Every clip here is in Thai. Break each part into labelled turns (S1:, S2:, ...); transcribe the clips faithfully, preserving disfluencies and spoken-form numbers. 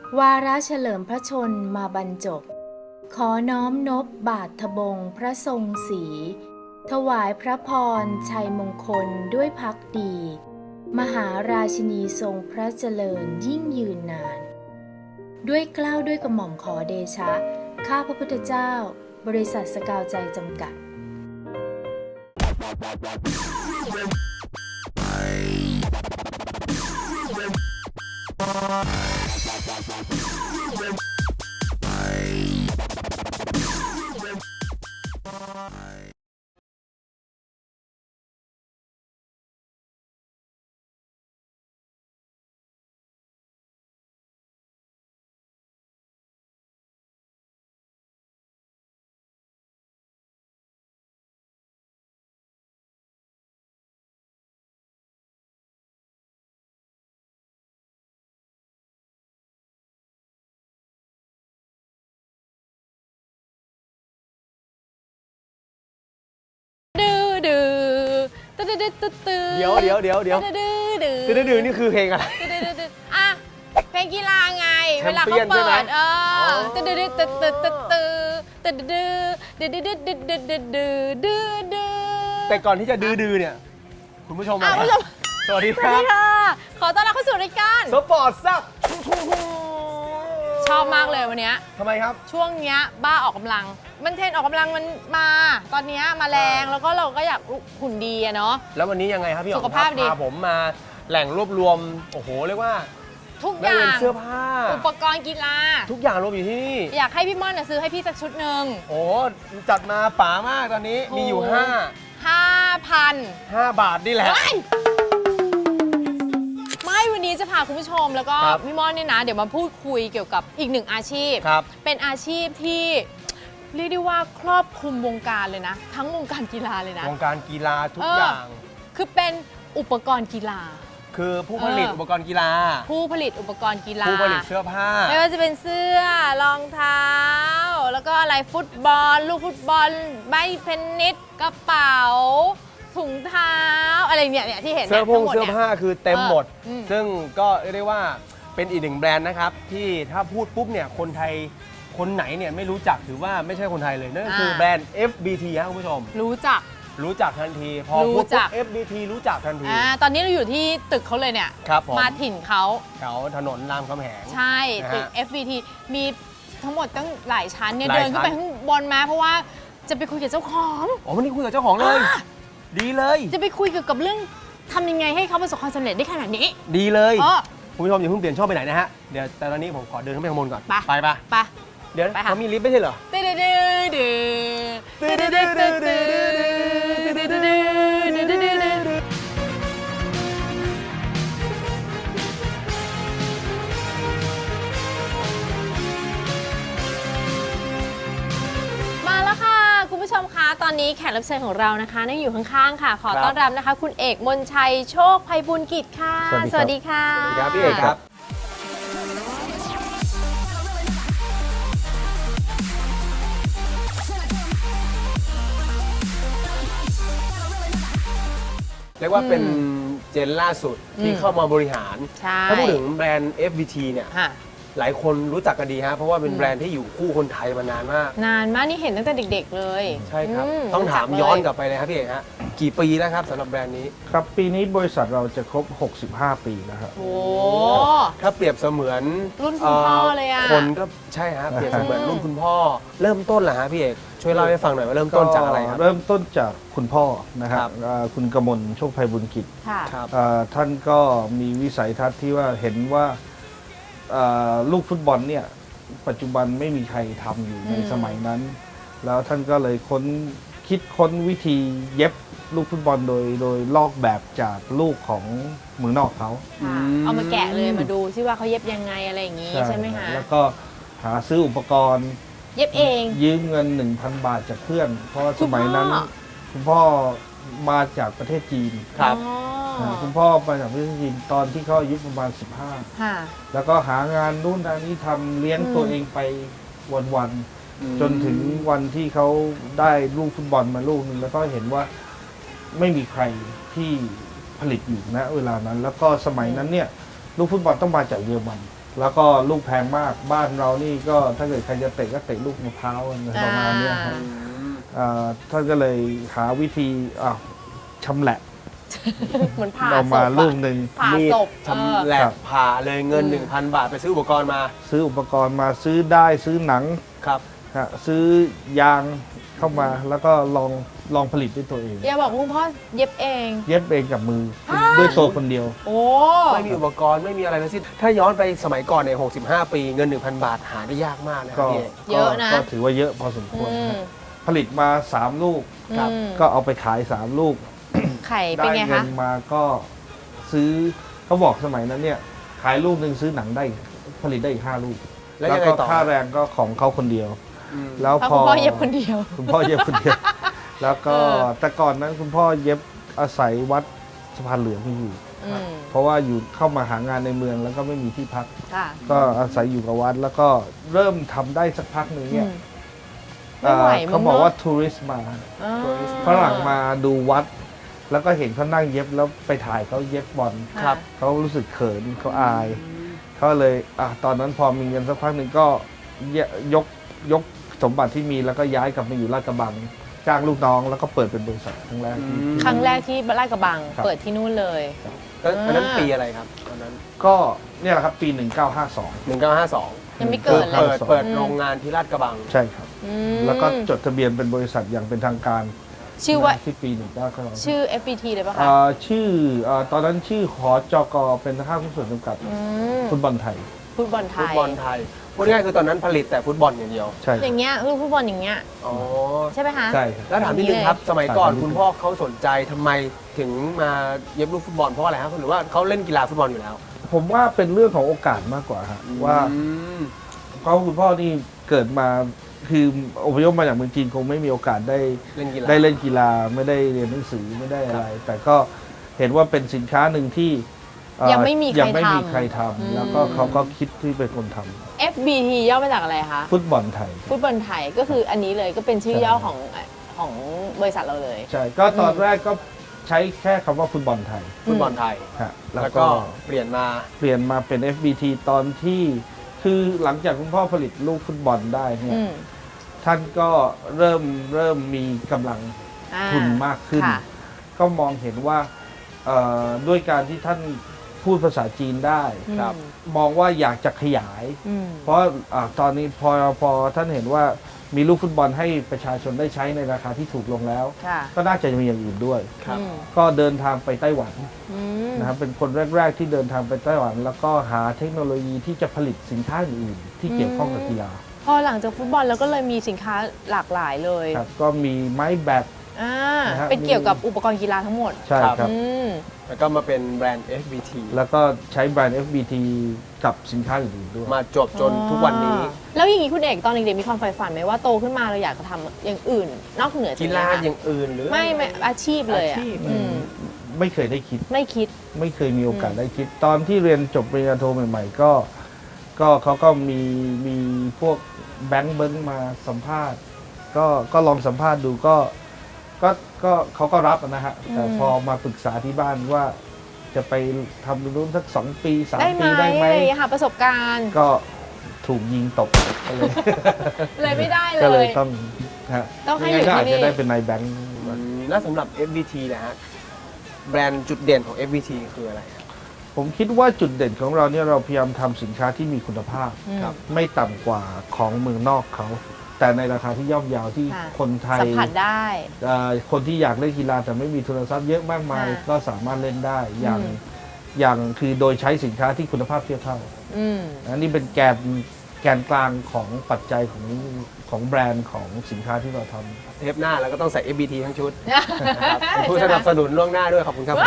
S1: วาระเฉลิมพระชนมาบรรจบขอน้อมนบบาททบงพระทรงศรีถวายพระพรชัยมงคลด้วยภักดี มหาราชินีทรงพระเจริญยิ่งยืนนาน ด้วยเกล้าด้วยกระหม่อมขอเดชะข้าพระพุทธเจ้าบริษัทสกาวใจจำกัด
S2: เดี๋ยวเดี๋ยวเดี๋ยวเดี๋ยวดื้อดื้อดื้อนี่คือเพลงอะไร
S3: อ่ะเพลงกีฬาไงเวลาเขาเปิดเออตื้อดื้อตื้อตื้อตื้อตื้อตื้อดื้อดื้อดื้อดื้อดื้อดื้อดื้อดื้อ
S2: แต่ก่อนที่จะดื้อดื้อเนี่ยคุณผู้ชมมาสวัสดีค
S3: รั
S2: บ
S3: ขอต้อนรับเข้าสู่รายการ
S2: สปอร์ตซับ
S3: ชอบมากเลยวันนี้
S2: ทำไมครับ
S3: ช่วงนี้บ้าออกกำลังมันเทรนออกกำลังมันมาตอนนี้มาแรงแล้วก็เราก็อยากหุ่นดีอะเนาะ
S2: แล้ววันนี้ยังไงครับพี่อ๋อม
S3: สุขภาพดี
S2: พาผมมาแหล่งรวบรวมโอ้โหเรียกว่า
S3: ทุกอย่าง
S2: เสื้อผ้า
S3: อุปกรณ์กีฬา
S2: ทุกอย่างรวมอยู่ที่นี่
S3: อยากให้พี่ม่อนซื้อให้พี่สักชุดหนึ่ง
S2: โอ้จัดมาป๋ามากตอนนี้มีอยู่ห้า
S3: ห้าพัน
S2: ห้าบาทนี่แหละ
S3: ไม่วันนี้จะพาคุณผู้ชมแล้วก็พี่ม่อนเนี่ยนะเดี๋ยวมาพูดคุยเกี่ยวกับอีกหนึ่งอาชีพเป็นอาชีพที่เรียกได้ว่าครอบคลุมวงการเลยนะทั้งวงการกีฬาเลยนะ
S2: วงการกีฬาทุกอย่าง
S3: คือเป็นอุปกรณ์กีฬา
S2: คือผู้ผลิตอุปกรณ์กีฬา
S3: ผู้ผลิตอุปกรณ์กีฬา
S2: ผู้ผลิตเสื้อผ้า
S3: ไม่ว่าจะเป็นเสื้อรองเท้าแล้วก็อะไรฟุตบอลลูกฟุตบอลใบเทนนิสกระเป๋าถุงเท้าอะไรเนี่ยเนี่ยที่เห็น
S2: เสื้อผงเสื้อผ้าคือเต็มหมดซึ่งก็เรียกได้ว่าเป็นอีกหนึ่งแบรนด์นะครับที่ถ้าพูดปุ๊บเนี่ยคนไทยคนไหนเนี่ยไม่รู้จักถือว่าไม่ใช่คนไทยเลยนั่นก็คือแบรนด์ เอฟ บี ที ครับคุณผู้ชม
S3: รู้จัก
S2: รู้จักทันทีพอพูดปุ๊บ เอฟ บี ที รู้จักทันที
S3: อ่าตอนนี้เราอยู่ที่ตึกเขาเลยเนี่ย
S2: ครับ
S3: มาถิ่นเขา
S2: แถวถนนรามคำแหง
S3: ใช่ตึก เอฟ บี ที มีทั้งหมดตั้งหลายชั้นเนี่ยเดินขึ้นไปข้างบนมาเพราะว่าจะไปคุยกับเจ้าของ
S2: อ๋อวันนี้คุยกับเจ้าของเลยดีเลย
S3: จะไปคุยเกี่ยวกับเรื่องทำยังไงให้เขาประสบความสำเร็จได้ขนาดนี้
S2: ดีเลยคุณผู้ชมอย่าเพิ่งเปลี่ยนช่องไปไหนนะฮะเดี๋ยวแต่ตอนนี้ผมขอเดินขึ้นไปข้างบนก่อนไปไป
S3: ไป
S2: เดี๋ยวเขามีลิฟต์ไม่ใช่เหรอ
S3: มาแล้วค่ะคุณผู้ชมคะตอนนี้แขกรับเชิญของเรานะคะนั่งอยู่ข้างๆค่ะขอต้อนรับนะคะคุณเอกมนชัยโชคไพบูลย์กิจค่ะสวัสดีค่ะ
S2: สวัสดีครับพี่เอกครับเรียกว่าเป็นเจนล่าสุดที่เข้ามาบริหารถ้าพูดถึงแบรนด์ เอฟ บี ที เนี่ยหลายคนรู้จักกันดีฮะเพราะว่าเป็นแบรนด์ที่อยู่คู่คนไทยมานานมาก
S3: นานมากนี่เห็นตั้งแต่เด็กๆเลย
S2: ใช่ครับต้องถามย้อนกลับไปเลยครับพี่เอกฮะกี่ปีแล้วครับสำหรับแบรนด์นี้
S4: ครับปีนี้บริษัทเราจะครบหกสิบห้าปีแล้วครับ
S3: โอ้
S2: ถ้าเปรียบเสมือน
S3: รุ่นคุณพ่อเลยอ่ะ
S2: คนก็ใช่ฮะเปรียบเสมือนรุ่นคุณพ่อเริ่มต้นเหรอฮะพี่เอกช่วยเล่าให้ฟังหน่อยว่าเริ่มต้นจากอะไรครับ
S4: เริ่มต้นจากคุณพ่อนะครับคุณกมลโชคไพบูลย์กิจท่านก็มีวิสัยทัศน์ที่ว่าเห็นว่าลูกฟุตบอลเนี่ยปัจจุบันไม่มีใครทำอยู่ในสมัยนั้นแล้วท่านก็เลยค้นคิดค้นวิธีเย็บลูกฟุตบอลโดยโดยลอกแบบจากลูกของเมืองนอกเขา
S3: เอามาแกะเลยมาดูซิว่าเขาเย็บยังไงอะไรอย่างนี้ใช่ไหมคะ
S4: แล้วก็หาซื้ออุปกรณ์
S3: เย็บเอง
S4: ยืมเงิน หนึ่งพัน บาทจากเพื่อนเพราะสมัยนั้นคุณพ่อมาจากประเทศจีน
S2: ครับ
S4: คุณพ่อมาจากประเทศจีนตอนที่เขาอายุประมาณสิบห้าแล้วก็หางานนู่นทางนี้ทำเลี้ยงตัวเองไปวันๆจนถึงวันที่เขาได้ลูกฟุตบอลมาลูกนึงแล้วก็เห็นว่าไม่มีใครที่ผลิตอยู่นะเวลานั้นแล้วก็สมัยนั้นเนี่ยลูกฟุตบอลต้องมาจากเยอรมันแล้วก็ลูกแพงมากบ้านเรานี่ก็ถ้าเกิดใครจะเตะก็เตะลูกมะพร้าวอะไรประมาณเนี้ยครับอ่าท่านก็เลยหาวิธีอ่าชำแหละ
S3: เหมือนผ่าศ
S4: เอา
S3: พ
S4: มา
S3: อะ
S4: ลูกหนึ่ง
S3: ผ่า
S2: มีด
S3: ศพ
S2: ชำแหละ
S4: ครับ
S2: ผ่าเลยเงิน
S3: อืม
S2: หนึ่งพัน บาทไปซื้ออุปกรณ์มา
S4: ซื้ออุปกรณ์มาซื้อได้ซื้อหนัง
S2: ครับ
S4: ฮะซื้อยางเข้ามาแล้วก็ลองลองผลิตด้วยตัวเอง
S3: อย่าบอกคุณพ่อเย็บเอง
S4: เย็บเองกับมือ
S3: ฮะ
S4: ด้วยตัวคนเดียว
S3: โอ้
S2: ไม่มีอุปกรณ์ไม่มีอะไรทั้งสิ้นถ้าย้อนไปสมัยก่อนเนี่ยหกสิบห้า ปีเงิน หนึ่งพัน บาทหาได้ยากมากนะครั
S4: ก็
S2: บพี่เอก
S3: เยอะนะ
S4: ก็ถือว่าเยอะพอสมควร
S3: อืม
S4: ฮะผลิตมาสามลูก
S2: ครับ
S3: อืม
S4: ก็เอาไปขายสามลูก
S3: ไข่
S4: ได้
S3: เป็นไง
S4: เงิ
S3: คะ
S4: นมาก็ซื้อเขาบอกสมัยนั้นเนี่ยขายลูกหนึ่งซื้อหนังได้ผลิตได้อีกห้าลูก
S2: แล้ว
S4: แล้ว
S2: ยังไง
S4: ก็
S2: ต่อ
S4: ค่าแรงก็ของเขาคนเดียว
S2: อืม
S4: แล้ว
S3: เพราะ
S4: พอ
S3: คุณพ่อเย็บคนเดียว
S4: คุณพ่อเย็บคนเดียว แล้วก็
S3: เออ
S4: แต่ก่อนนั้นคุณพ่อเย็บอาศัยวัดสะพานเหลืองที่อยู่
S3: อืม
S4: เพราะว่าอยู่เข้ามาหางานในเมืองแล้วก็ไม่มีที่พัก
S3: ค่ะ
S4: ก็อาศัยอยู่กับวัดแล้วก็เริ่มทำได้สักพักหนึ่งเนี่ย
S3: อืมไม่ไหว
S4: เอ่อเขาบอก
S3: มึงเนอะ
S4: ว่าทัวริสต์มา
S3: อ่า
S4: ฝรั่งมาดูวัด แล้วก็เห็นเขานั่งเย็บแล้วไปถ่ายเขาเย็บบอล
S2: ครับ
S4: เขารู้สึกเขินเขาอายเขาเลยอ่ะตอนนั้นพอมีเงินสักพักหนึ่งก็ยกยกสมบัติที่มีแล้วก็ย้ายกลับมาอยู่ลาดกระบังจ้างลูกน้องแล้วก็เปิดเป็นบริษัทครั้งแรกที่
S2: อืม
S3: ครั้งแรกที่ลาดกระบัง
S4: ครับ
S3: เปิดที่นู่นเลย
S2: แล้วอันนั้น
S3: อ่า
S2: ปีอะไรครับตอนนั้น
S4: ก็เนี่ยแหละครับปี หนึ่งเก้าห้าสอง
S2: หนึ่งเก้าห้าสอง
S3: ยังไม่เกิดเล
S2: เปิ
S3: ย
S2: ดเปิด
S3: อืม
S2: โรงงานที่ลาดกระบัง
S4: ใช่ครับ
S3: อืม
S4: แล้วก็จดทะเบียนเป็นบริษัทอย่างเป็นทางการ
S3: ชื่อว่า
S4: ที่ปีหนึ่งเก้าห้าสอง
S3: ชื่อ เอฟ บี ที เลยปะคะ
S4: อ่าชื่ออ่าตอนนั้นชื่อหอจกเป็นห้างหุ้นส่วนจำกัด
S3: อืม
S4: ฟุตบอลไทย
S3: ฟุตบอลไท
S2: ฟุต
S3: ย
S2: บอลไทยพูดง่ายๆคือตอนนั้นผลิตแต่ฟุตบอลอย่างเดียว
S4: ใช่
S3: อย่างเงี้ยคือฟุตบอลอย่างเงี้ย
S2: อ๋อ
S3: ใช่ไหมคะ
S4: ใช่ครับ
S2: แล้วถามนิดนึงครับ สมัยก่อนคุณพ่อเขาสนใจทำไมถึงมาเย็บลูกฟุตบอลเพราะอะไรครับหรือว่าเขาเล่นกีฬาฟุตบอลอยู่แล้ว
S4: ผมว่าเป็นเรื่องของโอกาสมากกว่าฮะว่า
S2: อืม
S4: เพราะคุณพ่อนี่เกิดมาคืออพยพมาจากเมืองจีนคงไม่มีโอกาสได้
S2: เล่นกีฬา
S4: ได้เล่นกีฬาไม่ได้เรียนหนังสือไม่ได้อะไร แต่ก็เห็นว่าเป็นสินค้าหนึ่งที่เอ่อ
S3: ยังไม่มีใคร
S4: ยังไม่มี
S3: ทำ
S4: ใครท
S3: อืม
S4: ำแล้วก็เขาก็คิดที่เป็นคนทำ
S3: เอฟ บี ที ย่อมาจากอะไรคะ
S4: ฟุตบอลไทย
S3: ฟุตบอลไทยก็คืออันนี้เลยก็เป็นชื่อย่อของของบริษัทเราเลย
S4: ใช่ก็ตอนแรกก็ใช้แค่คำว่าฟุตบอลไทย
S2: ฟุตบอลไทย
S4: ฮะ
S2: แล้
S4: แล้ว ว
S2: ก็
S4: ก็
S2: เปลี่ยนมา
S4: เปลี่ยนมาเป็น เอฟ บี ที ตอนที่คือหลังจากคุณพ่อผลิตลูกฟุตบอลได้เนี่ย
S3: อืม
S4: ท่านก็เริ่มเริ่มมีกำลัง
S3: อ่า
S4: ทุนมากขึ้น
S3: ค่ะ
S4: ก็มองเห็นว่าเอ่อด้วยการที่ท่านพูดภาษาจีนได้
S2: ครับ
S4: มองว่าอยากจะขยาย
S3: อืม
S4: เพราะอาตอนนี้พอพอท่านเห็นว่ามีลูกฟุตบอลให้ประชาชนได้ใช้ในราคาที่ถูกลงแล้ว
S3: ค่ะ
S4: ก็น่าจะมีอย่างอื่นด้วย
S2: ครับ
S3: อืม
S4: ก็เดินทางไปไต้หวัน
S3: อืม
S4: นะครับเป็นคนแรก ๆ ที่เดินทางไปไต้หวัน แล้วก็หาเทคโนโลยีที่จะผลิตสินค้าอื่นๆที่เกี่ยวข้องกับกีฬา
S3: พอหลังจากฟุตบอลแล้วก็เลยมีสินค้าหลากหลายเลย
S4: ครับก็มีไม้แบต
S3: อ่า
S4: นะฮะ
S3: เป็นเกี่ยวกับอุปกรณ์กีฬาทั้งหมด
S4: ใช่ครับ
S3: อืม
S2: แล้วก็มาเป็นแบรนด์ เอฟ บี ที
S4: แล้วก็ใช้แบรนด์ เอฟ บี ที กับสินค้าอื่นๆด้วย
S2: มาจบจนทุกวันนี้
S3: แล้วอย่างนี้คุณเอกตอนเด็กๆมีความใฝ่ฝันไหมว่าโตขึ้นมาเราอยากจะทำอย่างอื่น นอกเหนือจาก
S2: กี
S3: นี้
S2: ฬา
S3: ค่ะ
S2: อย่างอื่นหรือ
S3: ไม่ไม่อาชีพเลยอ่ะ
S2: อาชีพ
S3: อืม
S4: ไม่เคยได้คิด
S3: ไม่คิด
S4: ไม่เคยมีโอกาสได้คิด ตอนที่เรียนจบปริญญาโทใหม่ๆ ก็ ก็เขาก็มีมีพวกแบงค์เบิ้งมาสัมภาษณ์ ก็ก็ลองสัมภาษณ์ดูก็ก็ก็เขาก็รับนะฮะ แต่
S3: อืม
S4: พอมาปรึกษาที่บ้านว่าจะไปทำตรงนู้นสักสองปีสาม
S3: ได้ไหม
S4: ปีได้ไหม
S3: อะไรอย่างเงี้ยค่ะประสบการณ์
S4: ก็ถูกยิงตกก็เลย
S3: เลยไม่ได้
S4: ก็
S3: เล
S4: เลย
S3: ย
S4: ต้องฮะ
S3: ต้องให้
S4: ไม่งั้นก็อาจ
S3: อยู่ที่
S4: จะ
S3: นี่
S4: ได้เป็นนายแบงค์
S2: อืมแล้วสำหรับ เอฟ บี ที นะฮะแบรนด์จุดเด่นของ เอฟ บี ที คืออะไรครับ
S4: ผมคิดว่าจุดเด่นของเราเนี่ยเราพยายามทำสินค้าที่มีคุณภาพ
S3: อืม
S2: ครับ
S4: ไม่ต่ำกว่าของเมืองนอกเขา แต่ในราคาที่ย่อมเยาวที่
S3: ค่ะ
S4: คนไทย
S3: สัมผัสได้
S4: เอ่อคนที่อยากเล่นกีฬาแต่ไม่มีทุนทรัพย์เยอะมากมาย
S3: ค่ะ
S4: ก็สามารถเล่นได้อย่าง
S3: อืม
S4: อย่างคือโดยใช้สินค้าที่คุณภาพเทียบเท่า
S3: อืม
S4: อันนี้เป็นแกนแกนกลางของปัจจัยของของแบรนด์ของสินค้าที่เราทำ
S2: เทปหน้าแล้วก็ต้องใส่ เอฟ บี ที ทั้งชุดนะครับเป็นผู้สนับสนุนล่วงหน้าด้วยขอบคุณครับ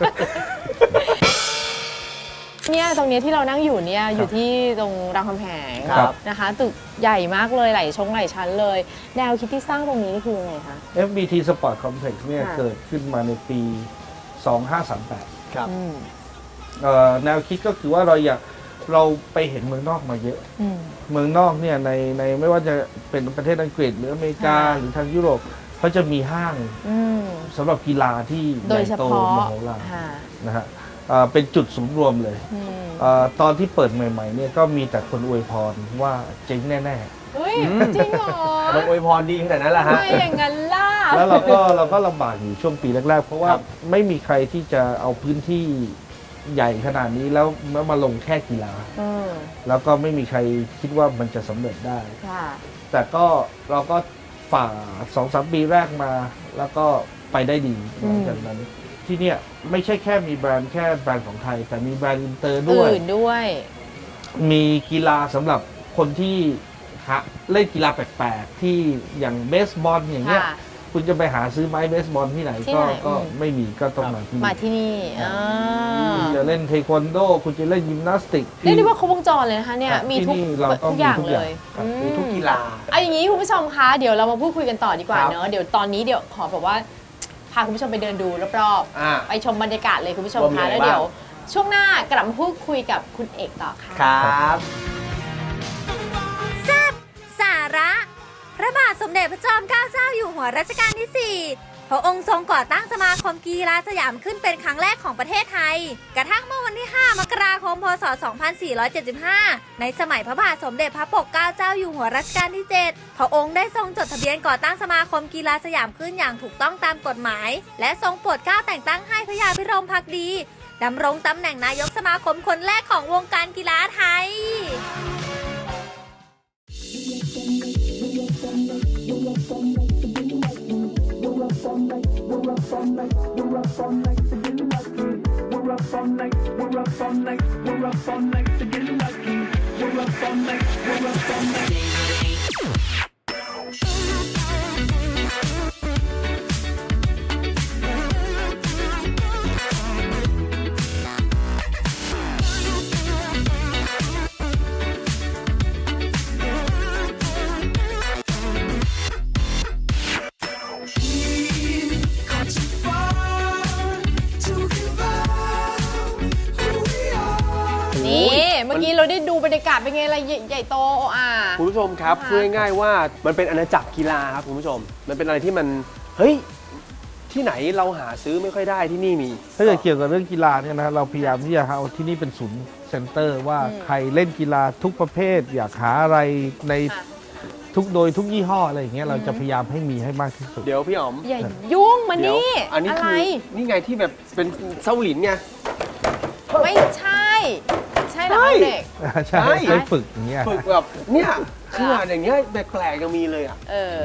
S3: เนี่ยตรงเนี้ยที่เรานั่งอยู่เนี่ยอยู่ที่ตรงรามคำแหง
S2: ครับ
S3: นะคะตึกใหญ่มากเลยหลายชงหลายชั้นเลย แนวคิดที่สร้างตรงนี้นี่คือยังไงคะ
S4: เอฟ บี ที Sport Complex เนี่ย
S3: ค่ะ
S4: เกิดขึ้นมาในปี สองห้าสามแปด
S2: ครับ
S3: อืม
S4: เอ่อแนวคิดก็คือว่าเราอยากเราไปเห็นเมืองนอกมาเยอะ
S3: อืม
S4: เมืองนอกเนี่ยในในไม่ว่าจะเป็นประเทศอังกฤษหรืออเมริกา
S3: ค่ะ
S4: หรือทางยุโรปเขาจะมีห้าง
S3: อืม
S4: สำหรับกีฬาที่ให
S3: โด
S4: ญ่
S3: ยเฉ
S4: โต
S3: พาะ
S4: มโหฬาร
S3: ค่ะ
S4: นะฮะเอ่อเป็นจุดศูนย์รวมเลย
S3: อืม
S4: เอ่อตอนที่เปิดใหม่ๆเนี่ยก็มีแต่คนอวยพรว่าเจ๊งแน่
S3: เฮ้ยจริงเหรอ
S2: มันอวยพรดีขนาดนั้นแหละฮะ
S3: ไม่อย่างนั้นล่ะ
S4: ๆ แล้วเราก็เราก็ลำบากอยู่ช่วงปีแรกๆ เพราะว่า
S2: ครับ
S4: ไม่มีใครที่จะเอาพื้นที่ใหญ่ขนาดนี้แล้วแล้วมาลงแค่กีฬา
S3: อืม
S4: แล้วก็ไม่มีใครคิดว่ามันจะสำเร็จได้
S3: ค่ะ
S4: แต่ก็เราก็ฝ่าสองสามปีแรกมา แล้วก็ไปได้ดีหลังจากนั้น ที่เนี่ยไม่ใช่แค่มีแบรนด์แค่แบรนด์ของไทย แต่มีแบรนด์อินเตอร์ด้วย
S3: อื่นด้วย
S4: มีกีฬาสำหรับคนที่หาเล่นกีฬาแปลกๆ ที่อย่างเบสบอลอย่างเงี้ย
S3: ค่ะ
S4: คุณจะไปหาซื้อไม้เบสบอลที่ไหน
S3: ที่
S4: ก็
S3: ไหน
S4: ก็
S3: อืม
S4: ไม่มีก็ต้องมาที่
S3: มา
S4: นี่
S3: ที่นี่อ่า
S4: คุณจะเล่นเทควันโด คุณจะเล่นยิมนาสติก
S3: เรียกได้ว่าครบวงจรเลยนะคะเนี่ย
S4: ครับ
S3: มีทุก
S4: ที่นี่เราก็
S3: ทุกอย่าง
S4: มีทุก
S3: เล
S4: อย่าง
S3: ย
S4: ครับ
S3: อืม
S2: มีทุกกีฬา
S3: เอาอย่างนี้คุณผู้ชมคะเดี๋ยวเรามาพูดคุยกันต่อดีกว่า
S2: ครับ
S3: เนอะเดี๋ยวตอนนี้เดี๋ยวขอแบบว่าพาคุณผู้ชมไปเดินดูรอบ
S2: อ่า
S3: ๆไปชมบรรยากาศเลยคุณผู้ชม
S2: ว่ามี
S3: คะ
S2: อะไร
S3: แล้วเดี๋ยว
S2: บ้
S3: ช่วงหน้ากลับมาพูดคุยกับคุณเอกต่อค่ะ
S2: ครับ
S5: สาระ พระบาทสมเด็จพระจอมเกล้าเจ้าอยู่หัวรัชกาลที่ สี่ พระองค์ทรงก่อตั้งสมาคมกีฬาสยามขึ้นเป็นครั้งแรกของประเทศไทย กระทั่งเมื่อวันที่ ห้ามกราคม พศ สองพันสี่ร้อยเจ็ดสิบห้า ในสมัยพระบาทสมเด็จพระปกเกล้าเจ้าอยู่หัวรัชกาลที่ เจ็ด พระองค์ได้ทรงจดทะเบียนก่อตั้งสมาคมกีฬาสยามขึ้นอย่างถูกต้องตามกฎหมาย และทรงโปรดเกล้าแต่งตั้งให้พระยาพิรมภักดีดำรงตำแหน่งนายกสมาคมคนแรกของวงการกีฬาไทย
S3: นี่เมื่อกี้เราได้ดูบรรยากาศเป็นไงอะไรใหญ่โตโออา
S2: คุณผู้ชมครับ
S3: นะคะ
S2: พูดง่ายๆว่ามันเป็นอาณาจักรกีฬาครับคุณผู้ชม มันเป็นอะไรที่มันเฮ้ยที่ไหนเราหาซื้อไม่ค่อยได้ที่นี่มี
S4: ถ้าเกิดเกี่ยวกับเรื่องกีฬาเนี่ยนะเราพยายามที่จะเอาที่นี่เป็นศูนย์เซ็นเตอร์ว่าใครเล่นกีฬาทุกประเภท อยากหาอะไรใน
S3: ค่ะ
S4: ทุกโดยทุกยี่ห้ออะไรอย่างเงี้ยเราจะพยายามให้มีให้มากที่สุด
S2: เดี๋ยวพี่อ๋อม
S3: อย่ายุ่งมา
S2: เดี๋ยว
S3: นี่
S2: อันนี้
S3: อะไร
S2: คือนี่ไงที่แบบเป็นเส้าหลินไง
S3: ไม่ใช่ ใช่เหรอ
S2: ใช่
S3: เด็ก
S4: ใช่
S2: ใช่
S4: ใช้ฝึกอย่างเงี้ย
S2: ฝึกแบบเนี่ยเชื่ออย่างเงี้ยแปลกๆยังมีเลยอ่ะ
S3: เออ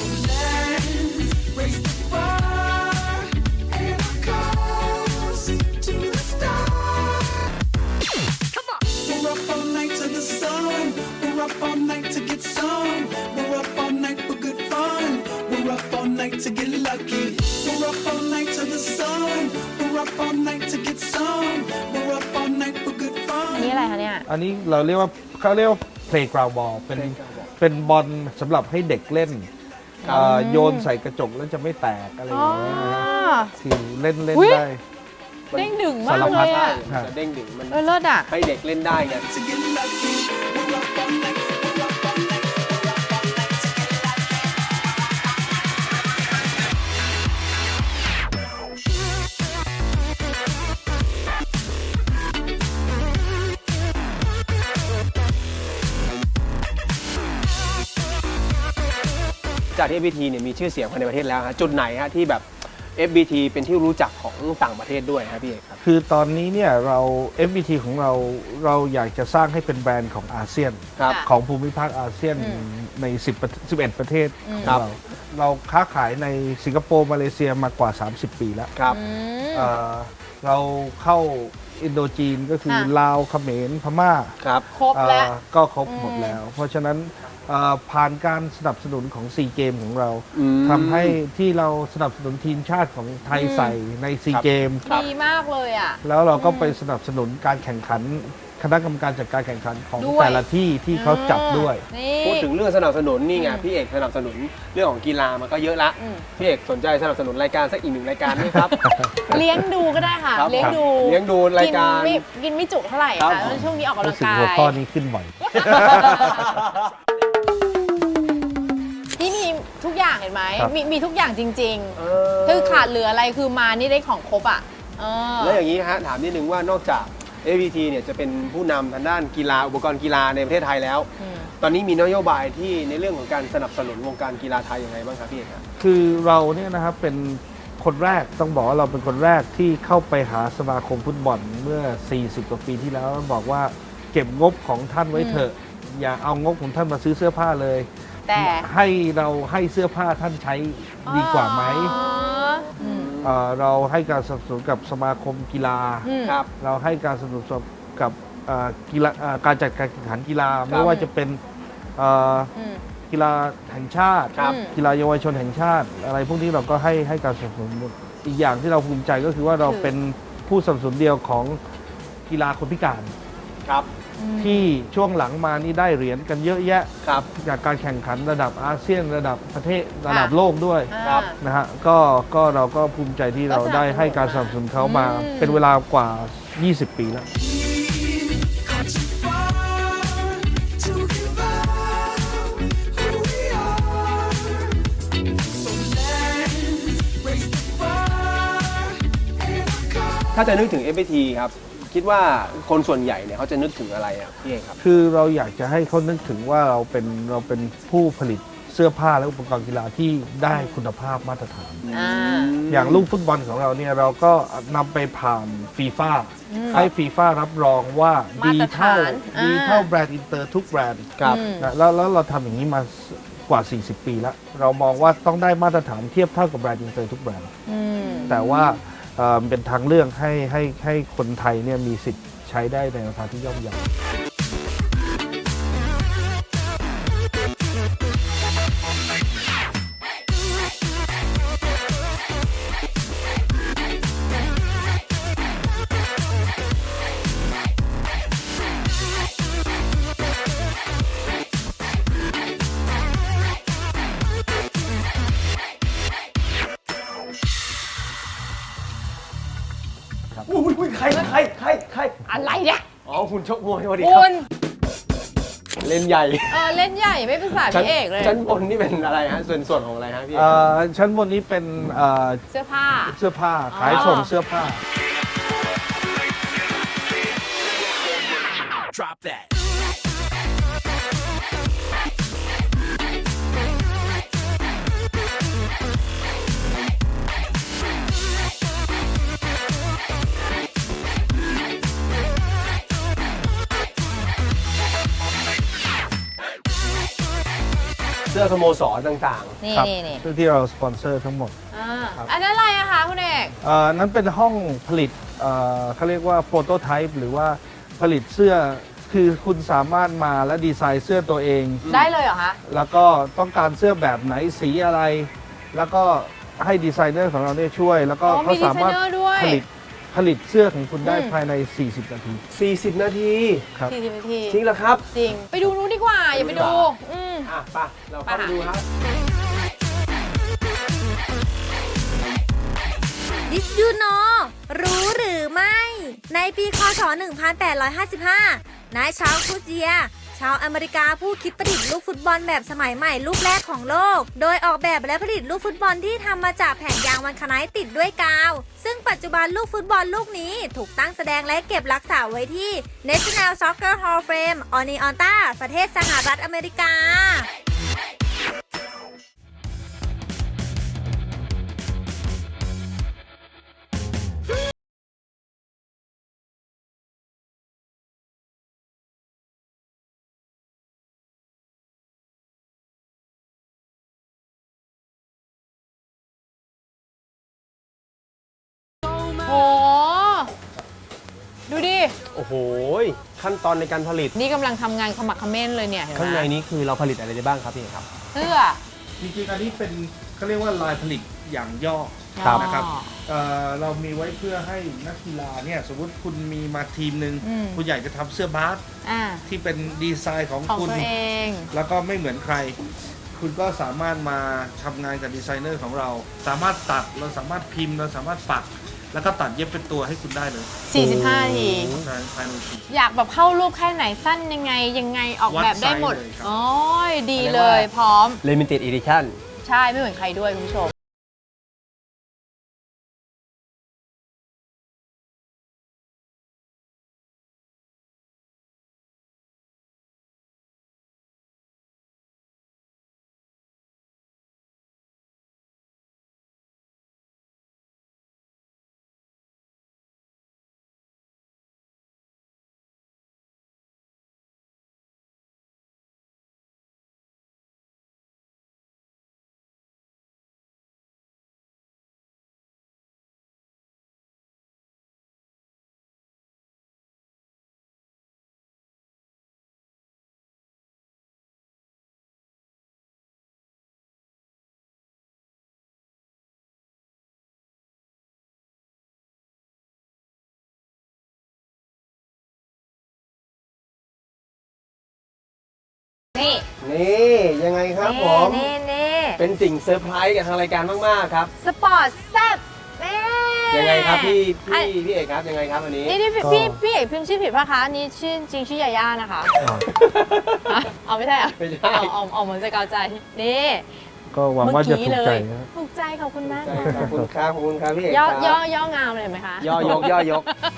S6: We're up all night to the sun. We're up all night to get some. We're up all night for good fun. We're up all night to get lucky. We're up all night to the sun. We're up all night to get some. We're up all night for good
S3: อัน
S6: fun.
S3: นี้อะไรคะเนี่ย
S4: อันนี้เราเรียกว่าเขาเรียกว่า playground ball เป็นเป็นบอลสำหรับให้เด็กเล่นเอ่อโยนใส่กระจกแล้วจะไม่แตกอะไรอ
S3: อ๋อ
S4: ย่างเงี้ยนะฮะคือเล่นเล่น
S3: อุ๊ย
S4: ได้
S3: เด้งดึงมาก
S4: สาร
S3: เล
S4: พัด
S3: ยอ่ะ
S2: มันจะเด้งดึงมัน
S3: เออเลิศอ่ะ
S2: ให้เด็กเล่นได้ไง
S6: To get lucky. We're up all night. We're up all night. We're up all night to get lucky.
S2: จากที่ เอฟ บี ที เนี่ยมีชื่อเสียงภายในประเทศแล้วฮะจุดไหนฮะที่แบบ เอฟ บี ที เป็นที่รู้จักของต่างประเทศด้วยครับพี่เอกครับ
S4: คือตอนนี้เนี่ยเรา เอฟ บี ที ของเราเราอยากจะสร้างให้เป็นแบรนด์ของอาเซียน
S2: ครับ
S4: ของภูมิภาคอาเซียน
S3: อืม
S4: ใน10ประสิบเอ็ดประเทศของ
S2: ครับ
S4: เราเราค้าขายในสิงคโปร์มาเลเซียมากว่า สามสิบ ปีแล้ว
S2: ครับ
S3: อืม
S4: เอ่อเราเข้าอินโดจีนก็คือ
S3: ค่ะ
S4: ลาวเขมรพม่า
S2: ครับ
S3: ครบแล้ว
S4: เอ่อก็ครบ
S3: อืม
S4: หมดแล้ว เพราะฉะนั้นเอ่อผ่านการสนับสนุนของซีเกมของเรา
S2: อืม
S4: ทำให้ที่เราสนับสนุนทีมชาติของไทยใส่ในซี
S2: ครับ
S4: เกม
S2: ครับ
S3: ดีมากเลยอ่ะ
S4: แล้วเราก็ไปสนับสนุนการแข่งขันคณะกรรมการจัดการแข่งขันของ
S3: ด้วย
S4: แต่ละที่ที่เขาจัดด้วย
S3: นี่
S2: พูดถึงเรื่องสนับสนุนนี่ไง
S3: อืม
S2: พี่เอกสนับสนุนเรื่องของกีฬามันก็เยอะละ
S3: อืม
S2: พี่เอกสนใจสนับสนุนรายการสักอีกหนึ่งรายการไหมครับ
S3: เลี้ยงดูก็ได้ค่ะ
S2: ครับ
S3: เลี้ยงดู
S2: เลี้ยงดูรายการ
S3: นไม่กินไม่จุเท่าไหร่
S2: ครั
S3: ค่ะ
S2: บ
S3: แล้วช่วงนี้ออกกำลั
S4: รู้
S3: ง
S4: สึก
S3: กา
S4: หัวย ข้อนี้ขึ้นบ่อย
S3: ที่มีทุกอย่างเห็นไหม
S4: ครับ
S3: มีมีทุกอย่างจริง
S2: เอ
S3: ๆ คือขาดเหลืออะไรคือมานี่ได้ของครบอ่ะเออ
S2: แล้วอย่างนี้ฮะถามนิดนึงว่านอกจาก เอ วี ที เนี่ยจะเป็นผู้นำทางด้านกีฬาอุปกรณ์กีฬาในประเทศไทยแล้ว
S3: อืม
S2: ตอนนี้มีนโยบายที่ในเรื่องของการสนับสนุนวงการกีฬาไทยยังไงบ้างครับพี่เอกครับ
S4: คือเราเนี่ยนะครับเป็นคนแรกต้องบอกว่าเราเป็นคนแรกที่เข้าไปหาสมาคมฟุตบอลเมื่อ สี่สิบ กว่าปีที่แล้วบอกว่าเก็บงบของท่านไว้เถอะ อย่าเอางบของท่านมาซื้อเสื้อผ้าเลย
S3: แต่
S4: ให้เราให้เสื้อผ้าท่านใช้ดีกว่าไหม
S3: อ๋ออืม
S4: เอ่อเราให้การสนับสนุนกับสมาคมกีฬา
S3: อืม
S2: ครับ
S4: เราให้การสนับสนุนกับเอ่อกีฬาเอ่อการจัดการแข่งขันกีฬาไม่ว่าจะเป็นเอ่อ
S3: อืม
S4: กีฬาแห่งชาติ
S2: ครับ
S4: กีฬาเยาวชนแห่งชาติ อะไรพวกนี้เราก็ให้ให้การสนับสนุนหมดอีกอย่างที่เราภูมิใจก็คือว่าเรา
S3: คือ
S4: เป็นผู้สนับสนุนเดียวของกีฬาคนพิการ
S2: ครับ
S4: ที่ช่วงหลังมานี่ได้เหรียญกันเยอะแยะ
S2: ครับ
S4: จากการแข่งขันระดับอาเซียนระดับประเทศระดับโลกด้วย
S2: ครับ
S4: นะฮะก็ก็เราก็ภูมิใจที่เราได้ให้การสนับสนุนเขามา
S3: อืม
S4: เป็นเวลากว่า ยี่สิบ ปีแล้ว
S6: Come too far to give up who we are. So let's raise the bar and come.
S2: ถ้าจะนึกถึง เอฟ วี ที ครับ คิดว่าคนส่วนใหญ่เนี่ยเขาจะนึกถึงอะไรอ่ะพี่เอกครับ
S4: คือเราอยากจะให้เขานึกถึงว่าเราเป็นเราเป็นผู้ผลิตเสื้อผ้าและอุปกรณ์กีฬาที่ได้คุณภาพมาตรฐาน
S3: อ่า
S4: อย่างลูกฟุตบอลของเราเนี่ยเราก็นำไปผ่านฟีฟ่าให้ฟีฟ่ารับรองว่า
S3: มา
S4: ดี
S3: ตรฐาน
S4: เท่าดี
S3: อ่า
S4: เท่าแบรนด์อินเตอร์ทุกแบรนด์
S2: ครับ
S3: อืม
S4: นะแล้วแล้วเราทำอย่างนี้มากว่า สี่สิบ ปีแล้ว เรามองว่าต้องได้มาตรฐานเทียบเท่ากับแบรนด์อินเตอร์ทุกแบรนด์
S3: อืม
S4: แต่ว่าเอ่อเป็นทางเลือกให้ให้ให้คนไทยเนี่ยมีสิทธิ์ใช้ได้ในราคาที่ย่อมเยา
S2: อุ้ยอุ้ยใครใครใครใคร
S3: อะไรเนี่ย
S2: อ๋อคุณชกมวยสวัสดีค
S3: คุ
S2: รับ
S3: ณ
S2: เล่นใหญ่
S3: เออเล่นใหญ่ไม่ภาษา
S2: ชั้น
S3: พี่เอกเลย
S2: ชั้นบนนี่เป็นอะไรฮะส่วนส่วนของอะไรฮะพี่เอก
S4: เอ่อชั้นบนนี้เป็นเอ่อ
S3: เสื้อผ้า
S4: เสื้อผ้าขายส่งเสื้อผ้า
S6: Drop that.
S2: เสื้อสโมสรต่าง
S3: นี่
S4: ครับ
S3: นี่นี่
S4: ที่เราสปอนเซอร์ทั้งหมด
S3: อ่าอันนั้นอะไรอะคะคุณเอก
S4: เอ่อนั้นเป็นห้องผลิตเอ่อเขาเรียกว่าโปรโตไทป์หรือว่าผลิตเสื้อคือคุณสามารถมาและดีไซน์เสื้อตัวเอง
S3: ได้เลยเหรอคะ
S4: แล้วก็ต้องการเสื้อแบบไหนสีอะไร แล้วก็ให้ดีไซเนอร์ของเราเนี่ยช่วย แล้วก็
S3: อ๋อ
S4: เขา
S3: มี
S4: สามารถ
S3: ดีไซเนอร์ด้วย
S4: ผลิตผลิตเสื้อของคุณได้
S3: อืม
S4: ภายใน สี่สิบ นาที
S2: ๆ สี่สิบ นาที
S4: ครับ
S3: สี่สิบนาที
S2: จริงเหรอครับ
S3: จริง ไปดูนู้นดีกว่า อย่าไปดู อืม
S2: อ่ะไปเราเข้าไป
S3: ไปค่ะ
S2: ดูครับ
S5: Did you know รู้หรือไม่ ในปีคศ หนึ่งพันแปดร้อยห้าสิบห้า นายชาร์ลส์คูเจีย ชาวอเมริกาผู้คิดประดิษฐ์ลูกฟุตบอลแบบสมัยใหม่ลูกแรกของโลก โดยออกแบบและผลิตลูกฟุตบอลที่ทำมาจากแผ่นยางวันคไนท์ติดด้วยกาว ซึ่งปัจจุบันลูกฟุตบอลลูกนี้ถูกตั้งแสดงและเก็บรักษาไว้ที่ National Soccer Hall of Fame ออนิออนตาประเทศสหรัฐอเมริกา
S3: โห ดูดิ
S2: โอ้โห ขั้นตอนในการผลิต
S3: นี่กำลังทำงานขมักเขม้นเลยเนี่ยเห็นไหม
S2: ข้างในนี้คือเราผลิตอะไรได้บ้างครับพี่เอกครับ
S3: เสื้อ
S4: จริงๆ อันนี้เป็นเขาเรียกว่าลายผลิตอย่างย่อ
S2: ครับ
S4: นะครับเอ่อเรามีไว้เพื่อให้นักกีฬาเนี่ยสมมติคุณมีมาทีมหนึ่ง
S3: อืม
S4: คุณอยากจะทำเสื้อบาส
S3: อ่า
S4: ที่เป็นดีไซน์ของ
S3: ของ
S4: คุณ
S3: ตัวเอง
S4: แล้วก็ไม่เหมือนใคร คุณก็สามารถมาทำงานกับดีไซเนอร์ของเรา สามารถตัดเราสามารถพิมพ์เราสามารถปัก แล้วก็ตัดเย็บเป็นตัวให้คุณได้เลย
S3: สี่สิบห้านาที
S4: ภายภายในสี่
S3: อยากแบบเข้ารูปแค่ไหนสั้นยังไง ยังไงออกแบบได้หมด
S4: วัดไซส์เลยครับ
S3: โอ้ยดีเลยพร้อม
S2: Limited Edition
S3: ใช่ ไม่เหมือนใครด้วยคุณผู้ชมนี่
S2: นี่ยังไงครับผม
S3: นี่นี่
S2: เป็นสิ่งเซอร์ไพรส์กับทางรายการมากๆครับ
S3: สปอร์ตแซ่บนี่
S2: ยังไงครับพี่
S3: อั
S2: พี่
S3: น
S2: พี่เอกครับยังไงครับวันนี้
S3: นี่นี่พี่
S4: ก็
S3: พี่พี่เอกพิมพ์ชื่อผิดป่ะคะอันนี่ชื่อจริงชื่อยาย่านะคะฮะเอาไม่ใช่เหรอ
S2: ไม่ใช่
S3: เอาเอาเอาเหมือนจะเกาใจนี่
S4: ก็หวังว่าจะถูกใจ
S3: เมื่อ
S4: นะ
S3: ถูกใจขอบคุณมาก
S2: ใช่ขอบคุณครับขอบคุณครับพี่เอก
S3: ย่อ
S2: ครับ
S3: ย่อย่องามเลยเห็นไหมคะ
S2: ย่อยกย่อยก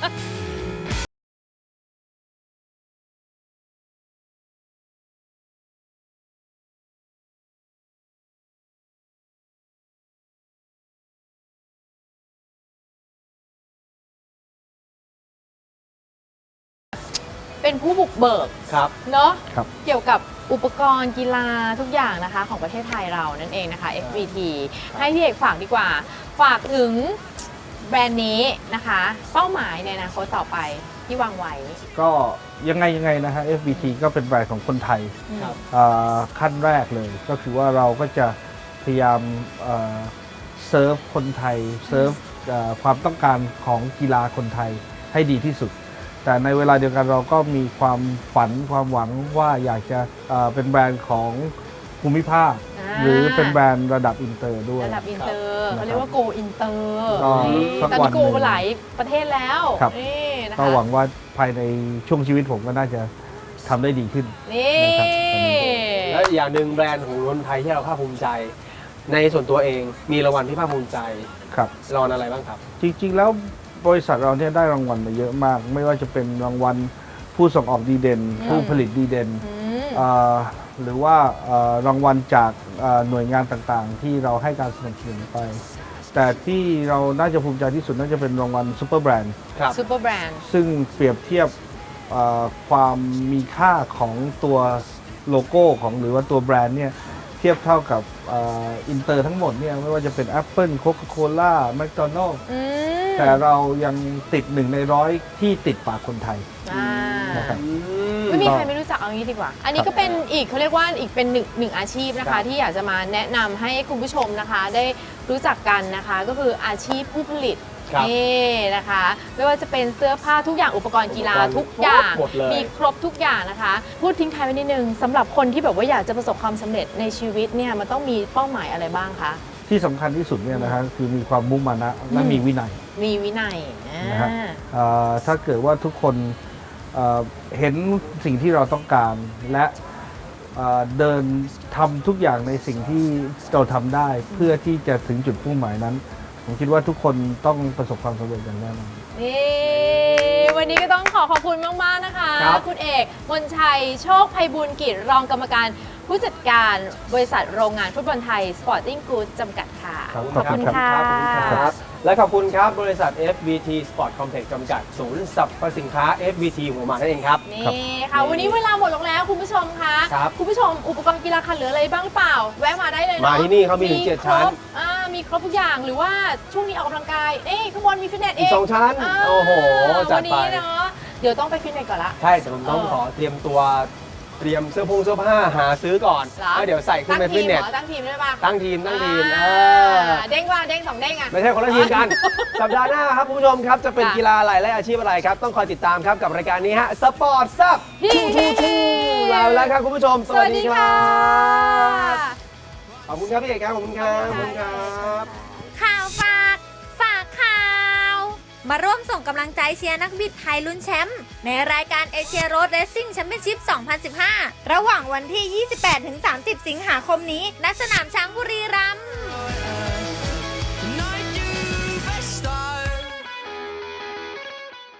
S3: เป็นผู้บุกเบิก
S2: ครับ
S3: เนาะ
S4: ครับ
S3: เกี่ยวกับอุปกรณ์กีฬาทุกอย่างนะคะของประเทศไทยเรานั่นเองนะคะ เอฟ บี ที ให้พี่เอกฝากดีกว่า ฝากถึงแบรนด์นี้นะคะ เป้าหมายในอนาคตต่อไปที่วางไว้
S4: ก็ยังไงยังไงนะฮะ เอฟ บี ที ก็เป็นแบรนด์ของคนไทย
S2: ครับ
S4: อ่าขั้นแรกเลยก็คือว่าเราก็จะพยายามเอ่อเซิร์ฟคนไทยเซิร์ฟเอ่อความต้องการของกีฬาคนไทยให้ดีที่สุด แต่ในเวลาเดียวกันเราก็มีความฝันความหวังว่าอยากจะเอ่อเป็นแบรนด์ของภูมิภาค
S3: อ่า
S4: หรือเป็นแบรนด์ระดับอินเตอร์ด้วย
S3: ระดับอินเตอร์
S4: ครับ
S3: เขาเรียกว่า go อินเตอร์
S4: ก็สัก
S3: ตอน
S4: วั
S3: นี้
S4: น
S3: โก
S4: หนึ่ง
S3: หลายประเทศแล้ว
S4: ครับ
S3: นี่นะ
S4: ก็
S3: คะ
S4: หวังว่าภายในช่วงชีวิตผมก็น่าจะทำได้ดีขึ้น
S3: นี่
S4: นะครับตอนนี้
S2: และอีกอย่างหนึ่งแบรนด์ของคนไทยที่เราภาคภูมิใจ ในส่วนตัวเองมีรางวัลที่ภาคภูมิใจ
S4: ครับ
S2: รางวัลอะไรบ้างครับ
S4: จริงๆ แล้วบริษัทเราเนี่ยได้รางวัลมาเยอะมาก ไม่ว่าจะเป็นรางวัลผู้ส่งออกดีเด่น ผู้ผลิตดีเด่น
S3: อืม
S4: อ่าหรือว่าอ่ารางวัลจากอ่าหน่วยงานต่างๆ ที่เราให้การสนับสนุนไป แต่ที่เราน่าจะภูมิใจที่สุดน่าจะเป็นรางวัลซูเปอร์แบรนด์
S2: ครับ
S3: ซูเปอร์แบรนด์
S4: ซึ่งเปรียบเทียบอ่าความมีค่าของตัวโลโก้ของหรือว่าตัวแบรนด์เนี่ยเทียบเท่ากับอ่าอินเตอร์ทั้งหมดเนี่ยไม่ว่าจะเป็น Apple Coca-Cola McDonald's
S3: อืม
S4: แต่เรายังติดหนึ่งในร้อยที่ติดปากคนไทย
S3: อ่า
S4: นะครับ
S3: ไม่มีใครไม่รู้จักเอางี้ดีกว่า อันนี้ก็เป็นอีกเขาเรียกว่าอีกเป็นหนึ่งหนึ่งอาชีพนะ
S2: ครั
S3: คะ
S2: บ
S3: ที่อยากจะมาแนะนำให้คุณผู้ชมนะคะ ได้รู้จักกันนะคะ ก็คืออาชีพผู้ผลิต
S2: ครับ
S3: นี่นะคะ ไม่ว่าจะเป็นเสื้อผ้าทุกอย่างอุปกรณ์กีฬา
S2: อุปกรณ์
S3: ทุกอย่าง
S2: หมดเลย
S3: มีครบทุกอย่างนะคะ พูดทิ้งท้ายไว้นิดนึงสำหรับคนที่แบบว่าอยากจะประสบความสำเร็จในชีวิตเนี่ยมันต้องมีเป้าหมายอะไรบ้างคะ
S4: ที่สำคัญที่สุดเนี่ยนะฮะคือมีความมุ่งมั่นและมีวินัย
S3: มีวินัยอ่า
S4: นะฮะอ่าถ้าเกิดว่าทุกคนเอ่อเห็นสิ่งที่เราต้องการ และเอ่อเดินทำทุกอย่างในสิ่งที่เราทำได้เพื่อที่จะถึงจุดมุ่งหมายนั้น ผมคิดว่าทุกคนต้องประสบความสำเร็จอย่างแน่นอน
S3: นี่วันนี้ก็ต้องขอขอบคุณมาก ๆ นะคะ
S2: ครับ
S3: คุณเอกมนชัยโชคไพบูลย์กิจรองกรรมการผู้จัดการบริษัทโรงงานฟุตบอลไทย Sporting Goods จำกัดค่ะ
S4: ครับ
S3: ขอบคุณค่ะ
S2: ขอบคุณครับ และขอบคุณครับ บริษัท เอฟ บี ที Sport Complex จำกัด ศูนย์สรรพสินค้า เอฟ บี ที หัวหมากนั่นเองครับ
S3: นี่ค่ะ วันนี้เวลาหมดลงแล้วคุณผู้ชมคะ
S2: ครับ
S3: คุณผู้ชมอุปกรณ์กีฬาคันเหลืออะไรบ้างหรือเปล่า แวะมาได้เลยเนาะ
S2: มาที่นี่เขามีถึงเจ็ดชั้น
S3: ครบอ่ามีครบทุกอย่างหรือว่าช่วงนี้ออกกำลังกายเอ้ยข้างบนมีฟิตเนสเอ
S2: อีก
S3: ง
S2: สองชั้น
S3: า
S2: โอ้โห จัด
S3: วัน
S2: ไป
S3: นี้เนาะเดี๋ยวต้องไปฟิตเนสก่อนละ
S2: ใช่แต่ผมต้อง
S3: เออ
S2: ขอเตรียมตัวเตรียมเสื้อผงเสื้อผ้าหาซื้อก่อน
S3: เหรอ
S2: แล้วเดี๋ยวใส่ขึ้นไป
S3: ตั้ง
S2: ฟิ
S3: ที
S2: ต
S3: ม
S2: เน
S3: เห
S2: ส
S3: รอตั้งทีมได้ปะ
S2: ตั้งทีมตั้งทีมเอ
S3: อ่า
S2: อ
S3: เด้งว่าเด้งสองเด้งอ่ะ
S2: ไม่ใช่คนละทีมกัน สัปดาห์หน้าครับคุณผู้ชมครับจะเป็น
S3: ค่ะ
S2: กีฬาอะไรและอาชีพอะไรครับ ต้องคอยติดตามครับกับรายการนี้ฮะสปอร์ตซับ
S3: ฮิ
S2: ทูทูทูลาไปแล้วครับคุณผู้ชม สวัสดีครับ
S3: ะ
S2: ขอบคุณครับพี่เอกครับขอบคุณครับขอบคุณครับ
S5: ข่าวฝาก ฝากข่าว มาร่วมส่งกำลังใจเชียร์นักบิดไทยลุ้นแชมป์ในรายการเอเชียโรดเรซซิ่งแชมเปี้ยนชิพ สองพันสิบห้า ระหว่างวันที่ ยี่สิบแปดถึงสามสิบ สิงหาคมนี้ณสนามช้างบุรีรัมย์